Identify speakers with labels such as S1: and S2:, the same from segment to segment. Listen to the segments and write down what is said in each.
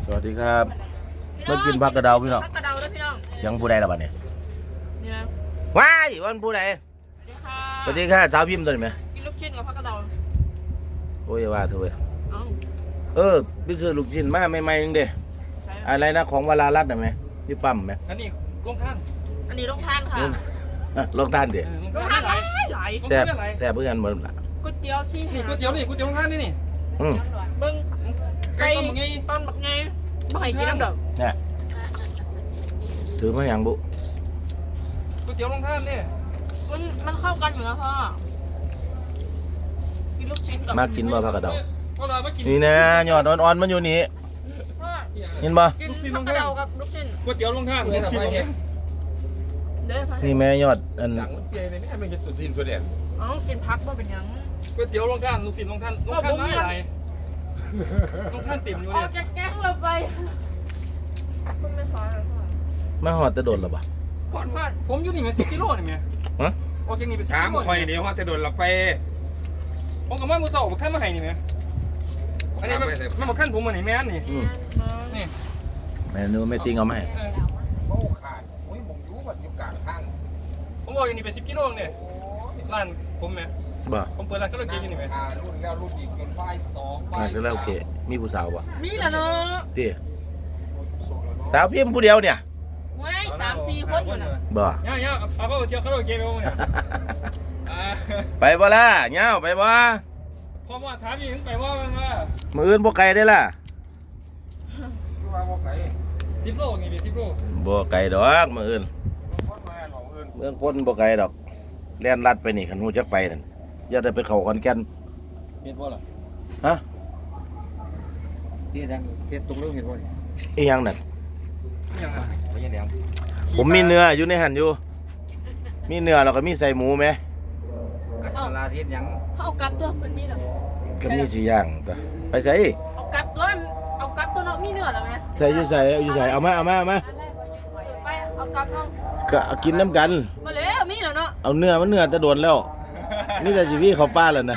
S1: วัสดีครับมากินผักกระเดาพี่น้อง
S2: ผักกระเดาด้วยพี่น้อง
S1: เสียงผู้ใดล่ะบัดนี้
S2: นี่นะ
S1: ว้ายวันผู้ใด
S2: สวัสดีค่ะ
S1: สวัสดีค่ะสาวพิมพ์ตัวนี้ไหม
S2: กินลูกชิ้นกับผักกระเดา
S1: โอ้ยอย่าว่าเถอะเว้ย
S2: เอ้า
S1: ไปซื้อลูกชิ้นมาใหม่ๆนึงเด้
S2: ใช่
S1: อะไรนะของวรารัตน์น่ะไหมพี่ปั๊มไหม
S3: อันนี้ลงท่าน
S2: อันนี้ต้องทานค่ะ
S1: ลองทานเด้
S3: ลง
S2: ต้อง
S3: ท่า
S2: ทาน น
S3: ไม่ไหล
S2: หลาย
S1: แซ่บแซ่บเพื่อนเหมือนละ
S2: ก๋วยเตี๋ยวซี่
S3: นี่ก๋วยเตี๋ยวนี่ก๋วยเตี๋ยวลงท่านนี่
S1: อืม
S2: เบิ้ง
S3: ไก่ต้มไง
S2: ต้นบักไงบ่ให้กินน้ำเด้อ
S1: เนี่ยถือมาอย่างบุ
S3: ก๋วยเตี๋ยวลงท่านนี่
S2: มันเข้ากันอยู่นะพ่อกินลูกชิ้นกับ
S1: มากินบ่ผักกระเดา
S3: ก็เรามากิน
S1: นี่นะยอดอ่อนๆมันอยู่นี่
S2: พ่อ
S1: เห็นบ่
S2: กินผักกระเดากับลูกชิ้น
S3: ก๋วยเตี๋ยวลงท่าน
S2: เด้อพ่อ
S1: นี่แม่ยอดอัน
S4: หลังมันเปียเลยไม่ให้มันจะสุดทินสุดเด่น
S2: เอ้ากินพักบ่เป็นหยัง
S3: ก๋วยเตี๋ยวลงท่านลูกศิษย์ลงท่านลงท่านไม่ไหลลงท่านติ่มอยู่
S2: อ
S3: เนี่
S2: อย กจากแก๊งเราไปคุณไม่พอเลยพ่อ
S1: มาหอดจะโดนหรอบ่
S2: พ่อ
S3: ผมอยู่นี่มัน10 กิโลนี่แม่
S1: ฮะ
S3: ออกจากนี่ไป10
S4: ถาม
S3: กิโล
S4: คอยเดี๋ยวว่าจะโดนเราไป
S3: ผมกับว่ามือสองขั้นมาให้นี่แม่อันนี้มันมาขั้นผมมาไหนแม่นี่
S1: อืม
S3: นี่
S1: แม่นูไม่ติงเอามาให้
S4: โอ้ขาดโอ้ยผมอยู่แบบอยู่กลางทาง
S3: ผมบอกอยู่นี่ไป10 กิโลเนี่ยร้านผมแม่
S1: บ่
S3: ผมเปิดร้านก็เลยกินอยู่นี่แม่
S4: รุ่นแล้วรุ่นอีกจนไฟ2ไฟ
S1: มาจะแล้วโอเคมีผู้สาวบ่
S2: มีแหละเนาะ
S1: ติสาวพิมพ์ผู้เดียวเนี่ย
S2: เว้ย3-4 คนอยู่น่ะ
S1: บ่
S3: ย่าเอาไปเที่ยวเขาโอเคไปวงเนี่ย
S1: ไปบ่ล่ะเหงาไปบ่
S3: พอว่าถามอีกไปว่ามันว่า
S1: มื้ออื่นบ่ไกลได้ล่ะ
S4: คือว่าโมไก่
S3: 10 โลนี่ดิ10 โล
S1: บ่ไกลดอกมื้ออื่น
S4: พอดมาของอื่น
S1: เมืองพ้นบ่ไกลดอกแล่นลัดไปนี่คันฮู้จักไปนั่นอย่าได้ไปเข้าขอนแก่น
S4: เห็นบ่ล่ะ
S1: ฮะ
S4: ที่ดังเห็นตรงเรื่องเห็นบ่นี่
S1: อีหยังนั่น
S3: อย่างอ่ะ
S4: ไม่ใช่แหลม
S1: ผมมีเนื้ออยู่ในหั่นอยู่ มีเนื้อแล้วก็มีใส่หมูไหม
S4: กัดลาเทียนยัง
S2: เอากลับตัวมันมีเหรอ
S1: ก็มีสิย่างตัวไปใส่
S2: เอากลับตัวเนาะมีเนื้อแล้วไหม
S1: ใส่อยู่ใส่เอาอยู่ใส่เอามา
S2: ไปเอากลับเนาะ
S1: ก็กินน้ำกัน
S2: มาแล้วมีแล้วเนาะ
S1: เอาเนื้อมันเนื้อจะโดนแล้ว นี่แต่สิพี่เขาป้าแล้วนะ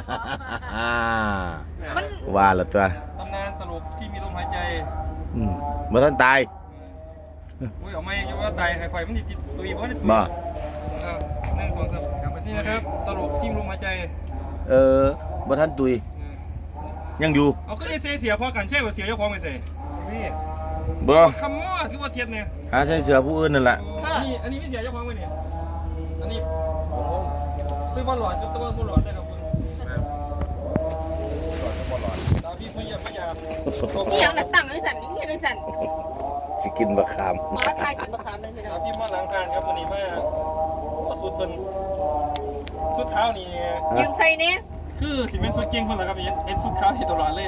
S2: มัน
S1: ว่าและตัว
S3: ตำนานตลกที่มีลมหายใจ
S1: บ่ทันตาย
S3: อุ้ยเอาไม่ยังว่าตายไฟมันติดตุยเพราะนี่ตุย
S1: บ่
S3: 1 2 3นี่นะครับตลกที่มีลมหายใจ
S1: บ่ทันตุยยังอยู่
S3: เอาก็ได้เสียพอกันใช่ว่าเสียเจ้าของไปเสีย
S4: นี่
S1: บ่
S3: คำว่าคือว่าเทียบเนี่ย
S1: หาใส่เสื้อผู้อื่นนั่นแหละ
S3: อันนี้ไม่เสียเจ้าของไปเนี่ยอันนี้ซื้อบอลหลอดจุดตะวันบอลหลอดได้ครับคุณ
S4: หลอดจะบ่หลอด
S3: ตาพี่ไม่อยาก
S2: นี่อย่างตั้งไอ้สันนี่ไอ้สัน
S1: สิกินบักขาม
S2: มาทายกินมะขามเลยพี่น้
S3: ตา
S2: อง
S3: พี่มาล้างการครับวันนี้มาสุดเป็นสุดเท้านี่
S2: ยืมใส่เนี่ย
S3: คือสิเป็นสุดจริงคนละครับเอ็นสุดเท้าที่ตลอดเลย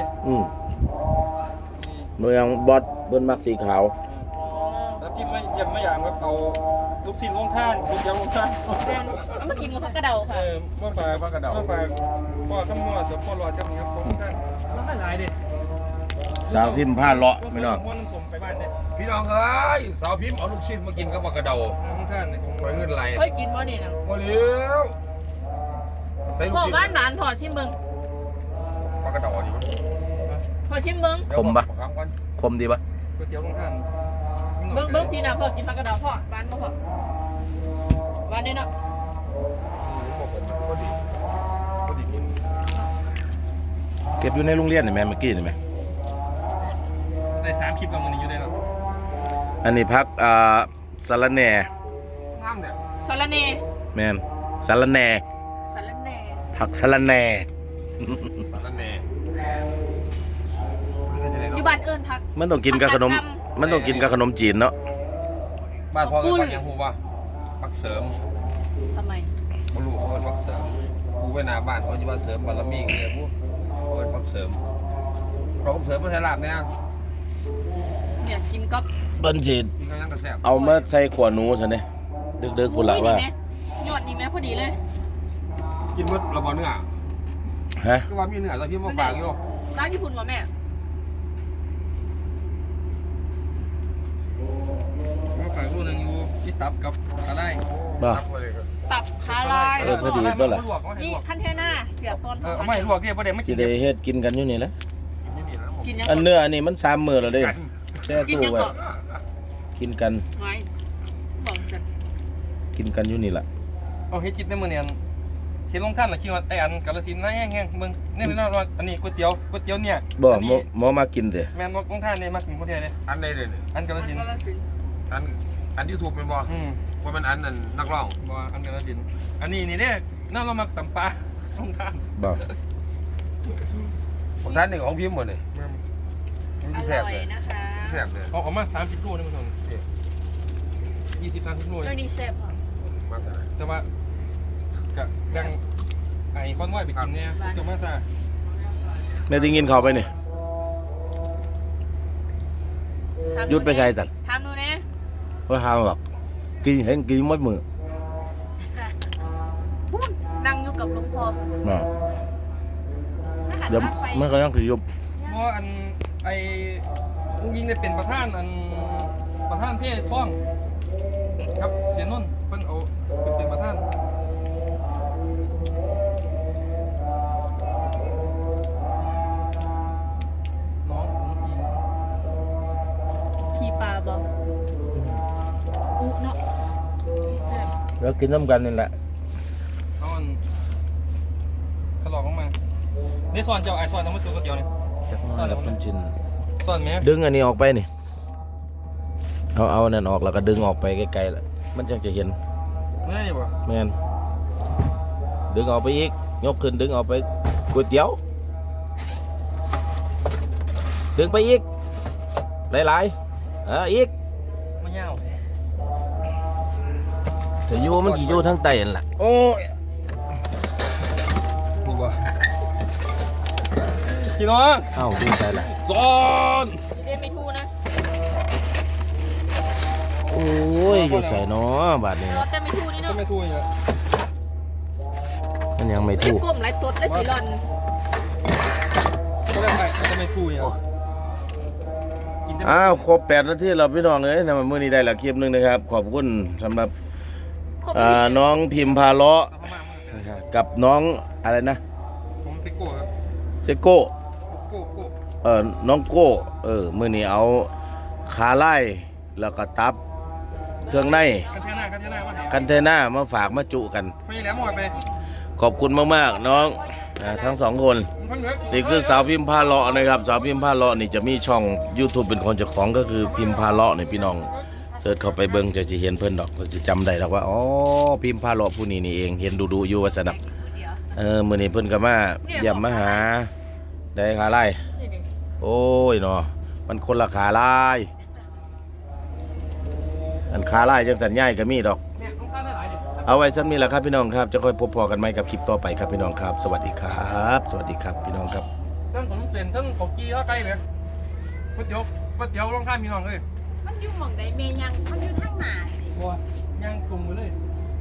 S1: เมืองบอสเบิ่นมักสีขาว
S3: แล้วพี่ไม่ยังไม่อยากแบบเอาลูกศิษย์ลงท่านลูกเดียวลงท่าน
S2: เอามากินกับผักกระเดาค่ะ
S3: มาฝากพ่อขมวดพ่อหลอดจะมีครับพ่อท่านแล้วไม่หลายเด็ด
S1: สาวพิมพ์ผ้าเลาะไม่น้อง
S3: พ่อน้ำส้มไปบ้านเนี่ย
S4: พี่น้องเอ้ยสาวพิมพ์เอาลูกชิ้นมากินกับปลากระเดา
S3: ลงท่านในของ
S4: ไว้เงินไหล
S2: เฮ้ยกินบ่เนี่ยนะ
S4: บ่เลี้ยวใส่ลูก
S2: พ่อ
S4: ชิ้น
S2: บ้านหลานพ่อชิมเบิ้ง
S4: ปลากระเดาดี
S2: พ่อชิมเบิ้ง
S1: คมปะ
S4: คำกัน
S1: คมดีปะ
S3: ก๋วยเตี๋ยวลงท่าน
S2: เบิ้งทีนะพ่อกินผักกระเดาพ่อบ้านบ่พ่อบ้านเนี่ยเนาะ
S4: พอดีพอดีกิน
S1: เก็บอยู่ในโรงเรียนนี่แม่เมื่อกี้นี่แม่
S3: ได้3 คลิปกับมันอยู่ได้แล้ว
S1: อันนี้พักสะระแหน่
S4: งามเนี่ย
S2: สาระเน
S1: แม่นสะระแหน่
S2: สาระเน
S1: ผักสะระแหน่
S4: สารแหน่
S2: อยู่บ้านเอิ้นผัก
S1: มันต้องกินกับขนม มันต้องกินกับขนมจีนเนาะ
S4: บ้านพ่อกับบ้านยังฮู้ว่าพักเสริม
S2: ทำไม
S4: บ่รู้เขาเป็นพักเสริมกูไปหน้าบ้านเขาจะว่าเสริมบารมีเนี่ยกูเขาเป็นพักเสริมเราพักเสริมมาใส่ลาบเนี่ย
S2: เนี่ยกินกับ
S1: เปิ้นสิ
S4: มีกำลังกระแสบ
S1: เอามาใส่ขวหนูซะเนี่ยดึกๆพุ่นละว่า
S2: ยอดนี่แม่พอดีเลย
S4: กินมื้อเราบ่เนื้อ
S1: ฮะ
S4: ก็ว่ามีเนื้อตอนพี่มาฝากอยู่
S2: ร้านญี่ปุ่นวะแม่
S3: มาฝากลูกนึงอยู่ที่ตับกับอะไร
S1: บ่
S4: รับไปเลยครับ
S2: ตับขาลาย
S1: พอดีเปล่าล่ะ
S2: นี่ขั้นเทน่าเสียบตอน
S3: ไม่ลวกเนี่ยประเดี๋ยวไม่
S1: สิ
S3: กิน
S1: ได้เฮ็ดกินกันอยู่นี่แหละ
S4: กินไม่มีแล้วผม
S2: กินยัง
S1: อันเนื้ออันนี้มัน3 มื้อแล้วเด้แช่
S2: กิน
S1: ตู้
S2: ยัง
S1: ไว้
S2: เกาะ
S1: กินกัน
S2: ไว้บอกจัด
S1: กินกันอยู่นี่ล่ะ
S3: เอาเฮ็ดจิตในมื้อนี้เห็นลงท่านน่ะคิดว่าไอ้อันกาฬสินธุ์นะแห้งๆเบิ่งนี่นะว่าอันนี้ก๋วยเตี๋ยวเนี่ย
S1: บ่
S3: อัน
S1: หม
S3: นี้
S1: หมอมากินเด้
S3: แม่นลงท่านนี่มากินคนเดียวเลย
S4: อันใดเลย
S3: อันกาฬสินธุ์
S4: อันยูทูบเป็นบ่ ว่ามันอันนั้นนักร้อง
S3: บ่อันกาฬสินธุ์อันนี้นี่เด้น่าเรามาตำปลาลงท่าน
S1: บ่
S4: ผมท่านนี่ของพิมพ์หมดเลย
S3: แม่น
S4: มัน
S2: อ
S4: ที่แสบ
S2: ร่อย
S4: เลย
S2: นะคะ
S4: ที่แสบเลย
S3: เอามา30โลนี่มัน20 30โล
S2: เจ้าดีแซ่บค่ะ
S4: มาสาย
S3: แต่ว่าก็แบ่งไอ้คอนไว้ไปกินเนี่ยจะมาซะ
S1: แม่ได้กินข้าวไปนี่หยุดไปใส่สั่น
S2: ทำดูนะ
S1: บ่หาหรอกกินเห็นกินหมดมื้อ
S2: พูดนั่งอยู่กับหลวงพ่อ
S1: น่ะ
S2: ถ้าหัน
S1: เดี๋ยว
S2: หน้าไป
S1: มันก็ยังสิยุบ
S3: บ่อันไอ้ยิงได้เป็นประธานประธานเทศป้องครับเสียนนท์เพิ่นเอาเป็นประธานน้องอิง
S2: ขี่ปลาบอกอุเนาะดีแซ่บ
S1: แล้วกินน้ำกันนี่แหละ
S3: เอาอันขลอกลงมานี่สอนเจ้าไอ้สอนทำมือสูงก๋วยเตี๋ยวนี่
S1: แล้วคุณจิน
S3: สอนไหม
S1: ดึงอันนี้ออกไปนี่เอาอันนั้นออกแล้วก็ดึงออกไปไกลๆแล้วมันจังจะเห็น
S3: นี่บ่
S1: แม่นดึงออกไปอีกยกขึ้นดึงออกไปก๋วยเตี๋ยวดึงไปอีกหลายๆอีก
S3: มันยาว
S1: แต่อยู่มันกี่อยู่ทั้งไตนั่นล่ะโอ้ย
S3: นี่บ่พี่น้อง
S1: เอ้าดึงไปละ
S3: สอน
S2: เรียนไม่ถูกนะ
S1: โอ้ยอยู่ใจเนาะบาดนี้
S2: รถแต่ไม่ถูกนี่
S3: ก็
S2: เนาะ
S3: ไม่ถูกอีกแล้ว
S1: มันยังไม่
S2: ไม่
S1: ถูก
S2: กลมไรตดและสีหลอน
S3: ก็ได้ไปก็ไม่ถูกอีกแล้วกินได้
S1: อ้าวครบ8 นาทีแล้วพี่น้องเอ้ยนะมื้อนี้ได้ละคลิปหนึงนะครับขอบคุณสำหรับ
S2: ครบ
S1: น้องพิมพาเลาะ
S3: เอาเข้ามา
S1: นะครับกับน้องอะไรนะ
S3: ผมไปโก้ครับ
S1: เซโก้
S3: โก้
S1: น้องโก้มื้อนี้เอาขาไล่แล้วก็ตับเครื่องใน
S3: กันเทน่ามาให้
S1: กันเทน่ามาฝากมาจุกัน
S3: ไปแล้วหมดไป
S1: ขอบคุณมากๆน้องทั้งสองคน
S3: มันเหลือ
S1: นี่คือสาวพิมพาเลาะนะครับสาวพิมพาเลาะนี่จะมีช่อง YouTube เป็นคนเจ้าของก็คือพิมพาเลาะนี่พี่น้องเสิร์ชเข้าไปเบิ่งจะเห็นเพิ่นดอกก็จะจำได้ดอกว่าอ๋อพิมพาเลาะผู้นี้นี่เองเห็นดูอยู่ว่าสนับมื้อนี้เพิ่นก็มาเยี่ยมมาหาได้ขาไล่
S2: นี่ดิ
S1: โอ้ยเนาะมันคนละขาลายอันขาลายจังสัญญาณก็มีดอก
S3: เนี่ยต้องการได้หลายดิ
S1: เอาไว้ซ้ำนี้แหละครับพี่น้องครับจะค่อยพบพอกันไหมกับคลิปต่อไปครับพี่น้องครับ สวัสดีครับ สวัสดีครับพี่น้องครับ
S3: ทั้งสมเสนทั้งขบกี้เท่าไกลเลยก๋วยเตี๋ยวลองท่านมีน้องเลย
S2: มันอยู่หม่องใดเมยังมันอยู่ทางหน้านี่
S3: บัวย่างกลุ่มไปเลย